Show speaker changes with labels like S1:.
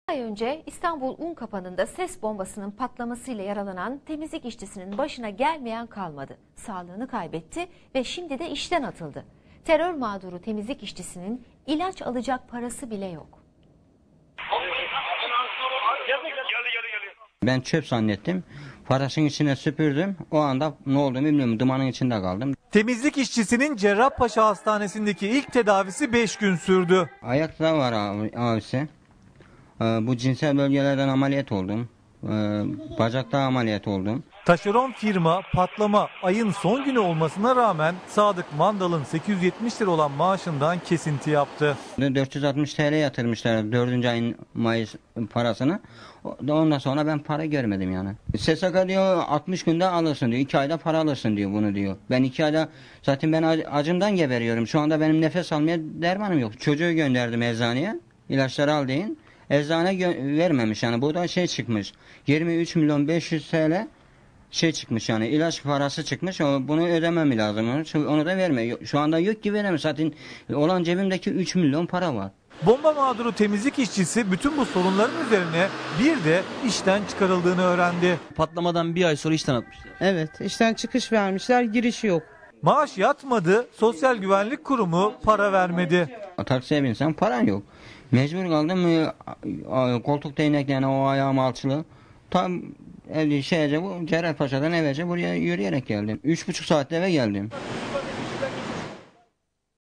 S1: Ay önce İstanbul Unkapanı'nda ses bombasının patlamasıyla yaralanan temizlik işçisinin başına gelmeyen kalmadı. Sağlığını kaybetti ve şimdi de işten atıldı. Terör mağduru temizlik işçisinin ilaç alacak parası bile yok.
S2: Ben çöp zannettim. Parasının içine süpürdüm. O anda ne olduğunu bilmiyorum. Dumanın içinde kaldım.
S3: Temizlik işçisinin Cerrahpaşa Hastanesi'ndeki ilk tedavisi 5 gün sürdü.
S2: Ayakta var abisi. Bu cinsel bölgelerden ameliyat oldum. Bacakta ameliyat oldum.
S3: Taşeron firma patlama ayın son günü olmasına rağmen Sadık Mandal'ın 870 lira olan maaşından kesinti yaptı.
S2: 460 TL yatırmışlar 4. ayın Mayıs parasını. Ondan sonra ben para görmedim yani. SSK diyor 60 günde alırsın diyor. 2 ayda para alırsın diyor bunu diyor. Ben 2 ayda zaten ben acımdan geberiyorum. Şu anda benim nefes almaya dermanım yok. Çocuğu gönderdim eczaneye. İlaçları al deyin. Eczane vermemiş yani. Bu da şey çıkmış. 23 milyon 500 TL şey çıkmış yani ilaç parası çıkmış. Bunu ödemem lazım. Onu da vermiyor. Şu anda yok ki veremem. Zaten olan cebimdeki 3 milyon para var.
S3: Bomba mağduru temizlik işçisi bütün bu sorunların üzerine bir de işten çıkarıldığını öğrendi.
S4: Patlamadan bir ay sonra işten atmışlar.
S5: Evet, işten çıkış vermişler, giriş yok.
S3: Maaş yatmadı, Sosyal Güvenlik Kurumu para vermedi.
S2: Taksiye binsem paran yok. Mecbur kaldım. Koltuk değneklerine o ayağım alçılı. Tam bu Cerrahpaşa'dan evvelce buraya yürüyerek geldim. 3,5 saatte eve geldim.